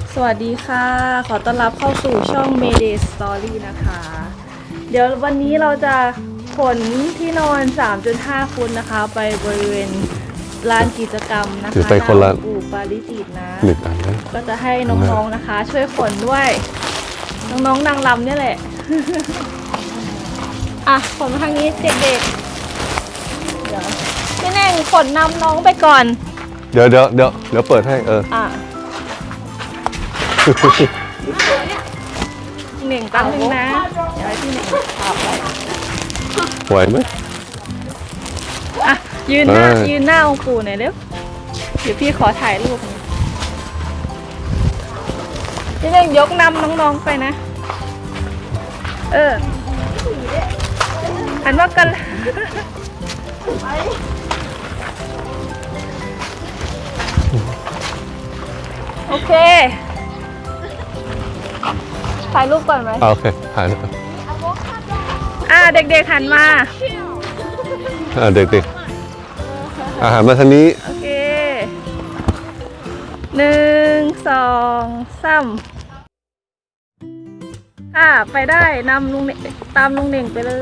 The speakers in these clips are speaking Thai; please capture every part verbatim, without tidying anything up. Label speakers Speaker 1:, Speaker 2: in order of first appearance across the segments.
Speaker 1: สวัสดีค่ะขอต้อนรับเข้าสู่ช่อง Mayday Story นะคะเดี๋ยววันนี้เราจะขนที่นอน สามจุดห้า ฟุตนะคะ ไปบริเวณลานกิจกรรมนะคะ
Speaker 2: ถือไปคนละ
Speaker 1: ปู่ปาริจิตนะ
Speaker 2: หนึ่งอันนะ
Speaker 1: ก็จะให้น้องๆนะคะ ช่วยขนด้วยน้องๆนางรำเนี่ยแหละ อ่ะขนมาทางนี้เด็กๆเดี๋ยวพี่แน่งขนนำน้องไปก่อน
Speaker 2: เดี๋ยวเดี๋ยวเดี๋ยวเดี๋ยวเปิดให้เออ
Speaker 1: อ่ะหนึ่งตั้งหนึ่งนะเดี๋ยวให้พี่หนึ่งพาไป
Speaker 2: ไหวไหม
Speaker 1: อ่ะยืนหน้า
Speaker 2: ได้
Speaker 1: ยืนหน้าองค์ปู่หน่อยเร็วเดี๋ยวพี่ขอถ่ายรูปพี่เร่งยกนำน้องๆไปนะเออหันว่ากันโอเคถ่ายรูปก่อนไหม
Speaker 2: อ่าโอเคถ่ายเลย
Speaker 1: อ่าเด็กๆหันมา
Speaker 2: อ่าเด็กๆอาหารมาทางนี้
Speaker 1: โอเคหนึ่งสองสามอ่าไปได้นำลุงเน่งตามลุงเน่งไปเลย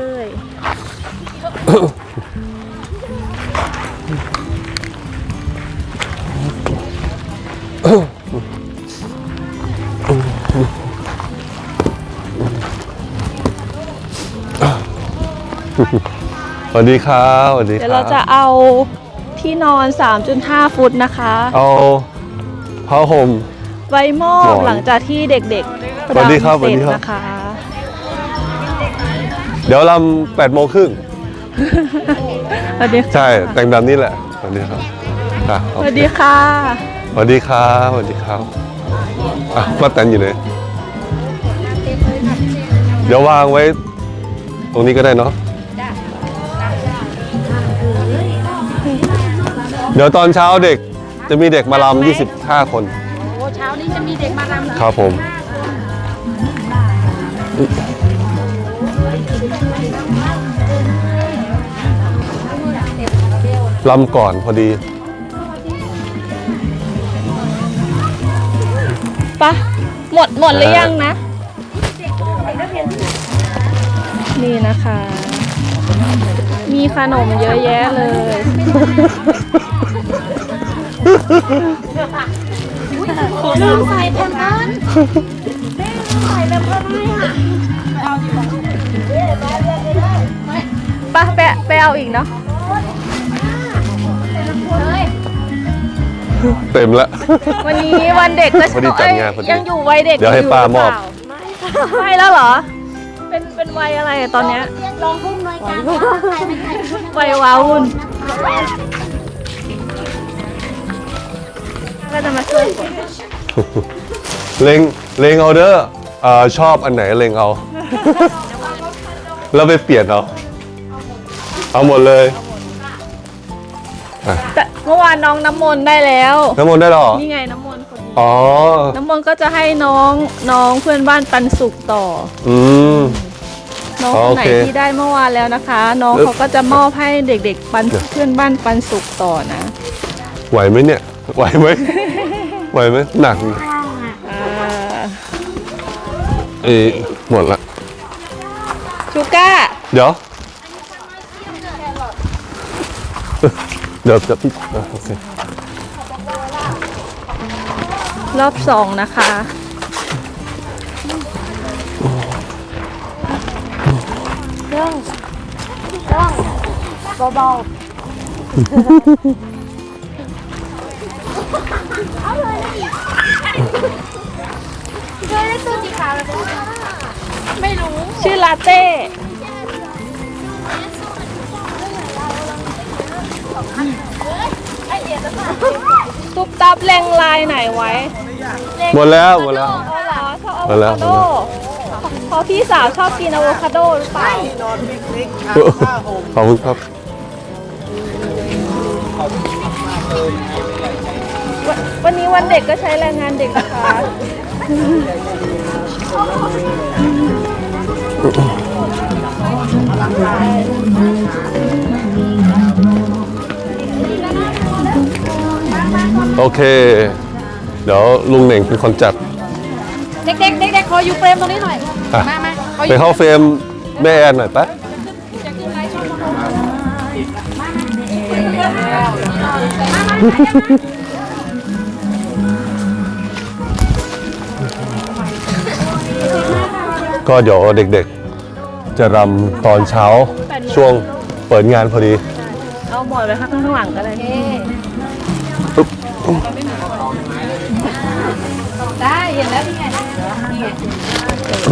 Speaker 2: สวัสดีครับสวัสดีค
Speaker 1: เดี๋ยว
Speaker 2: รั
Speaker 1: เรา
Speaker 2: บ
Speaker 1: จะเอาที่นอน สามจุดห้า ฟุตนะคะ
Speaker 2: เอาผ้าห่ม
Speaker 1: ไว้มอ
Speaker 2: หม
Speaker 1: บ
Speaker 2: อน
Speaker 1: หลังจากที่เด็กๆ
Speaker 2: สวัสดีครับ
Speaker 1: รำเสร็จ
Speaker 2: สวัสดีครับ
Speaker 1: นะคะ
Speaker 2: เดี๋ยวลำแปดโมงครึ่ง
Speaker 1: สวัสดีค่ะ
Speaker 2: ใช่แต่งแบบนี้แหละสวัสดีครับอ่ะ
Speaker 1: ส
Speaker 2: โอเค
Speaker 1: วัสดีค่ะ
Speaker 2: สวัสดีครับสวัสดีครับอ่ะป้าแตนอยู่ไหนเดี๋ยววางไว้ ตรงนี้ก็ได้เนาะเดี๋ยวตอนเช้าเด็กจะมีเด็กมาลำยี่สิบห้าคน
Speaker 3: โอ้เช้านี้จะมีเด็กมารำ
Speaker 2: ครับผมลำก่อนพอดี
Speaker 1: ปะหมดหมดหรือยังนะ นี่นะคะ มีขนมเยอะแยะเลย
Speaker 3: ลืมใส่แพมเพิร์สใส่แพมเพิร์สให้อ่ะ
Speaker 1: ปะแปะไปเอาอีกเนาะ
Speaker 2: เต็มแล้ว
Speaker 1: วันนี้วันเด็กก็
Speaker 2: พอดีจัดงานพอดี
Speaker 1: ยังอยู่วัยเด็ก
Speaker 2: เดี๋ยวให้
Speaker 1: อ
Speaker 2: ป้ามอบ
Speaker 1: หรืเปล่ไม่แล้วเหรอ เป็นเป็นวัยอะไรอะตอนเนี้ย
Speaker 3: ลองพุ่มหน่อยกันใครไม่ใคร
Speaker 1: วัยวาวุ่นก็จะมาช่วยกด
Speaker 2: เล็งเล็งเอาเด้อเอ่อชอบอันไหนเล็งเอา แล้วไปเปลี่ยนเอา เอาหมดเลยอ่ะ
Speaker 1: แต่เมื่อวานน้องน้ำมนต์ได้แล้ว
Speaker 2: น้ำมนต์ได้หรอ
Speaker 1: นี่ไงน้ำมนต์คนนี้
Speaker 2: อ๋อ
Speaker 1: น้ำมนต์ก็จะให้น้องน้องเพื่อนบ้านปันสุกต่อ
Speaker 2: อืม
Speaker 1: น้อง
Speaker 2: อ๋อ
Speaker 1: คนไหน
Speaker 2: โอเค
Speaker 1: ที่ได้เมื่อวานแล้วนะคะ น้อง
Speaker 2: เอ๊ะ
Speaker 1: เขาก็จะมอบให้เด็กๆปันเพื่อนบ้านปันสุกต่อนะ
Speaker 2: ไหวไหมเนี่ย ไหวไหม ไหวไหมหนัก
Speaker 1: อ่า
Speaker 2: เอ้ยหมดละ
Speaker 1: ชูก้า
Speaker 2: เดี๋ยว เดี๋ยวจะพี่อ่ะโอเค
Speaker 1: รอบสองนะคะ
Speaker 3: เรื่องเรื่องเบาๆเอาเลยเจอได้ตัวสีขาวแล้วไม่รู้
Speaker 1: ชื่อลาเต้ ตุ๊บตับแรงลายไหนไว้
Speaker 2: หมดแล้วหมดแล้ว
Speaker 1: เอาเหรอชอบอะ
Speaker 2: หม
Speaker 1: โว
Speaker 2: ดแล้ว
Speaker 1: คาโดเพราะพี่สาวชอบกินอะโวคาโดหรือเปล่า
Speaker 2: ขอบคุณครับ
Speaker 1: วันวันนี้วันเด็กก็ใช้แรงงานเด็กนะคะ
Speaker 2: โอเค เดี๋ยวลุงเหน่งเป็นคนจัด
Speaker 3: เด็กๆเด็กๆขออยู่เฟรมตรงนี้หน่อย
Speaker 2: อ่ะ
Speaker 3: มามาขออ
Speaker 2: ไป
Speaker 3: ยู่
Speaker 2: เข้าเฟรมแม่แอนหน่อยปะ
Speaker 3: จะขึ้นไลฟ์ช่องโมโน
Speaker 2: ก็เดี๋ยวเด็กๆ จะรำตอนเช้าช่วงเปิดงานพอดี
Speaker 1: เอาหมอนไว้ข้างข้างหลังก็ได้
Speaker 2: ปุ๊บ
Speaker 3: ได้เห็นแล้วนี่ไงนี่ไง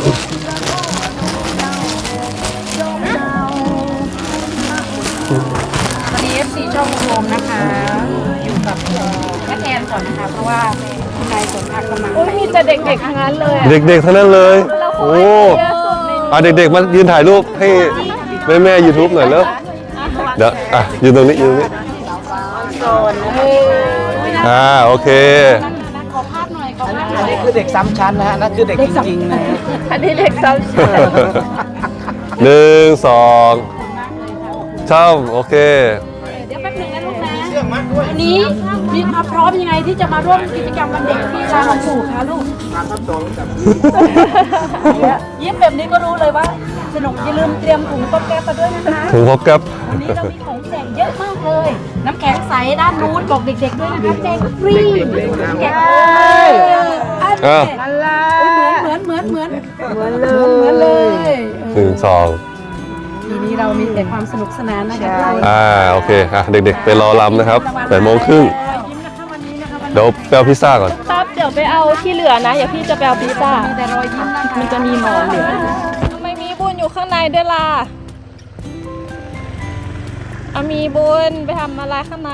Speaker 3: วันนี้ เอฟ ซี ช่องโฮมนะคะ อยู่กับเอ่อแม่แทนก่อนนะคะ เพราะว่าคุณนายสนทักกำลัง
Speaker 1: โอ้ยมีแต่เด็กๆทั้งนั้นเลยอะ
Speaker 2: เด็กๆทั้งนั้นเลย โอ้
Speaker 1: เยอะสุดใน
Speaker 2: อ่ะเด็กๆมายืนถ่ายรูปให้แม่แม่ยูทูบหน่อยเร็วเดี๋ยวอ่ะยืนตรงนี้ยืนตรงนี้อ่าโอเค
Speaker 3: ขอภาพหน่อยขอภาพหน่
Speaker 4: อั
Speaker 3: อน ย
Speaker 4: นี้คือเด็กซ้ำชั้นนะฮะนั่นคือเด็กจริงๆนะฮะ
Speaker 1: อันนี้เด็กซ้ำชั้น
Speaker 2: หนึ่งสองช่ำโอเค
Speaker 3: เดี๋ยวแป๊บหนึงนะลูกนะวันนี้มีความพร้อมยังไงที่จะมาร่วมกิจกรรมวันเด็กที่ร้านของปู่คะลูกยิ้มแบบนี้ก็รู้เลยว่าสนุกอย่าลืมเตรียมถุงต้มแก๊บมาด้วยนะคะ
Speaker 2: ถึงพบกับ
Speaker 3: วันนี้เรามีของแจกเยอะมากเลย น้ำแข็งใสด้านนู้นบอกเด็กๆด้วยนะคะแจกฟรีแจกอัน
Speaker 2: อ่ะ
Speaker 3: เหมือนเหมือนเหมือนเหมือนเหมือนเลยเหมือนเลย
Speaker 2: หนึ่งสอง
Speaker 3: ทีนี้เรามีแต่ความสนุกสนานนะคะ
Speaker 2: อ่าโอเคอ่ะเด็กๆ ไปรอรำนะครับแปดโมงครึ่ง
Speaker 3: ยิ้มนะคะวันนี้นะคะวัน
Speaker 2: เดี๋ยวไปเอาพิซซ่าก่อน
Speaker 1: ตับเดี๋ยวไปเอาที่เหลือนะอย่าพี่จะไปเอาพิซซ่า
Speaker 3: มีแต่รอยยิ้มนะคะ
Speaker 1: มันจะมีหมอนเหลือทำไมมีบุญอยู่ข้างในด้วยล่ะเอามีบุญไปทำอะไรข้างใน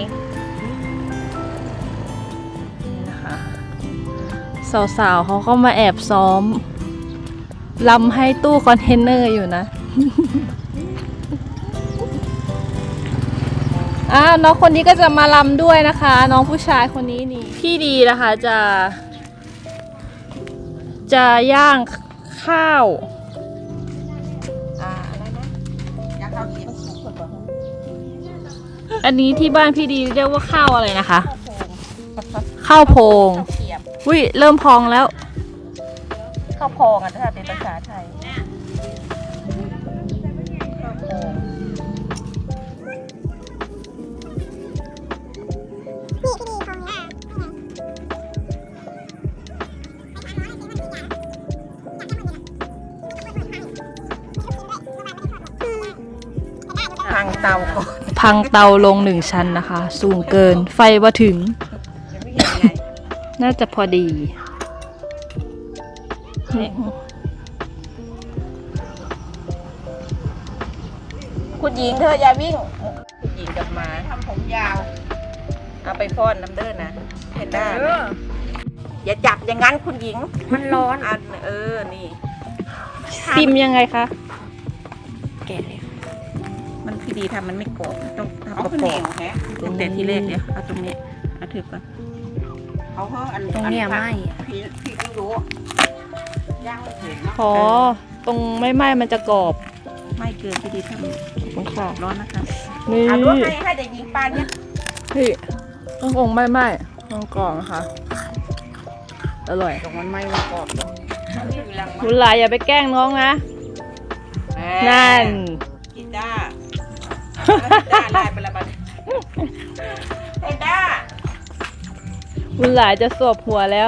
Speaker 1: นี่นะคะสาวๆเขาก็มาแอบซ้อมลำให้ตู้คอนเทนเนอร์อยู่นะ อ่าน้องคนนี้ก็จะมาลำด้วยนะคะ น้องผู้ชายคนนี้นี่พี่ดีนะคะจะ จะย่างข้าวอันนี้ที่บ้านพี่ดีเรียกว่าข้าวอะไรนะคะ ข้าวโพงวิเริ่มพองแล้ว ข้าวโพงอ่ะถ้าเป็นภาษาไทยพังเตาพังเตาลงหนึ่งชั้นนะคะ สูงเกินไฟว่าถึง น่าจะพอดีนี่
Speaker 5: คุณหญิงเธออย่าวิ่ง คุณหญิงกลับมาทำผมยาว เอาไปฟ้อนน้ำเด้อนะเพนด้านะอย่าจับอย่างนั้นคุณหญิง มันร้อนอันเออ นี่
Speaker 1: ซิมยังไงคะ
Speaker 5: แกะเลยมันพี่ดีทำมันไม่กรอบต้องทำกรอบตั้งแต่ที่แรกเดี๋ยวเอาตรงนี้เอาถือก่อนเอาเพิ่มอันตรงนี้ไม่พี่พี่ไม่รู้ย่างไม่ถึง
Speaker 1: ขอตรงไม่ไหม้มันจะกรอบ
Speaker 5: ไม่เกินพี่ดีทำ
Speaker 1: ขอบคุณค่ะ
Speaker 5: ร้อนนะคะ
Speaker 1: นี่
Speaker 5: เอาลวกให้ให้แต่ยิงปานเนี่ย
Speaker 1: พี่ต้ององไม่ไหม้ต้องกรอบนะคะอร่อย
Speaker 5: ตรงมันไม่มันกรอบหรอกนี่อยู่หลัง
Speaker 1: คุณหลายอย่าไปแกล้งน้องนะ นั่น
Speaker 5: กีตาร์กีตาร์ลายไปละบัดกีตาร์
Speaker 1: คุณหลายจะสวบหัวแล้ว